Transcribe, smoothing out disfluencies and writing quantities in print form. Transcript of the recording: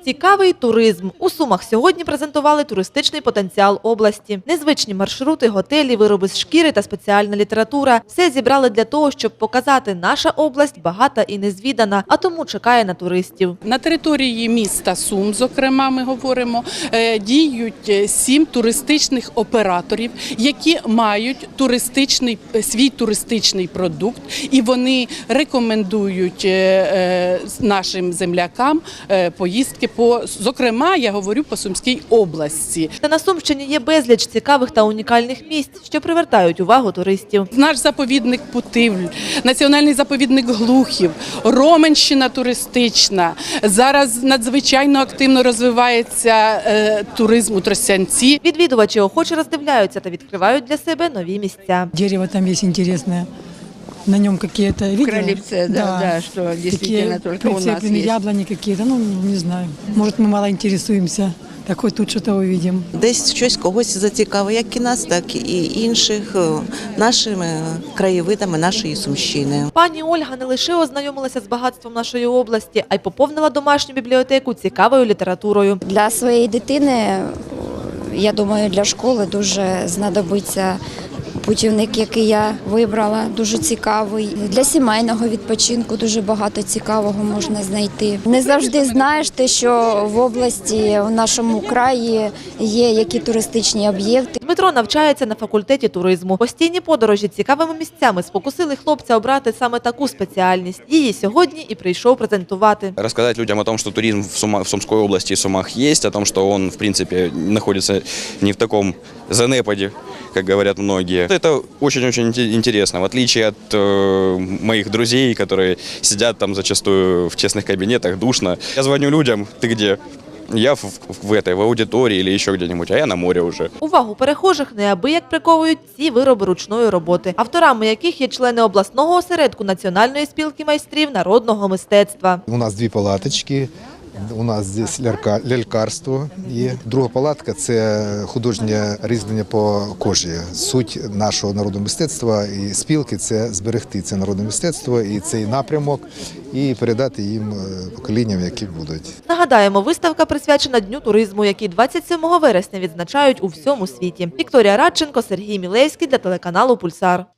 Цікавий туризм. У Сумах сьогодні презентували туристичний потенціал області. Незвичні маршрути, готелі, вироби з шкіри та спеціальна література. Все зібрали для того, щоб показати, наша область багата і незвідана, а тому чекає на туристів. На території міста Сум, зокрема, ми говоримо, діють 7 туристичних операторів, які мають свій туристичний продукт, і вони рекомендують нашим землякам поїздки зокрема, я говорю, по Сумській області. Та на Сумщині є безліч цікавих та унікальних місць, що привертають увагу туристів. Наш заповідник Путивль, національний заповідник Глухів, Роменщина туристична. Зараз надзвичайно активно розвивається туризм у Тростянці. Відвідувачі охоче роздивляються та відкривають для себе нові місця. Дерево там есть интересное. На нем какие-то, видела? Кролевце, да, что действительно только у нас прицеплены есть. яблони какие-то, ну, не знаю. Может, мы мало интересуемся. Так хоть тут что-то увидим. Десь щось когось зацікавить, як і нас, так і інших, нашими краєвидами нашої Сумщини. Пані Ольга не лише ознайомилася з багатством нашої області, а й поповнила домашню бібліотеку цікавою літературою. Для своєї дитини, я думаю, для школи дуже знадобиться путівник, який я вибрала, дуже цікавий. Для сімейного відпочинку дуже багато цікавого можна знайти. Не завжди знаєш те, що в області, в нашому краї є які туристичні об'єкти. Дмитро навчається на факультеті туризму. Постійні подорожі цікавими місцями спокусили хлопця обрати саме таку спеціальність. Її сьогодні і прийшов презентувати. Рассказать людям о том, что туризм в Сумской области и Сумах есть, о том, что он, в принципе, находится не в таком занепаде, как говорят многие. Это очень-очень интересно, в отличие от моих друзей, которые сидят там зачастую в тесных кабинетах, душно. Я звоню людям: ты где? Я в аудиторії или ще где-нибудь, а я на морі вже. Увагу перехожих неабияк приковують ці вироби ручної роботи, авторами яких є члени обласного осередку Національної спілки майстрів народного мистецтва. У нас 2 палаточки. У нас здесь лялькарство є. Друга палатка – це художнє різьблення по кожі. Суть нашого народного мистецтва і спілки – це зберегти це народне мистецтво і цей напрямок, і передати їм поколінням, які будуть. Нагадаємо, виставка присвячена Дню туризму, який 27 вересня відзначають у всьому світі. Вікторія Радченко, Сергій Мілевський для телеканалу «Пульсар».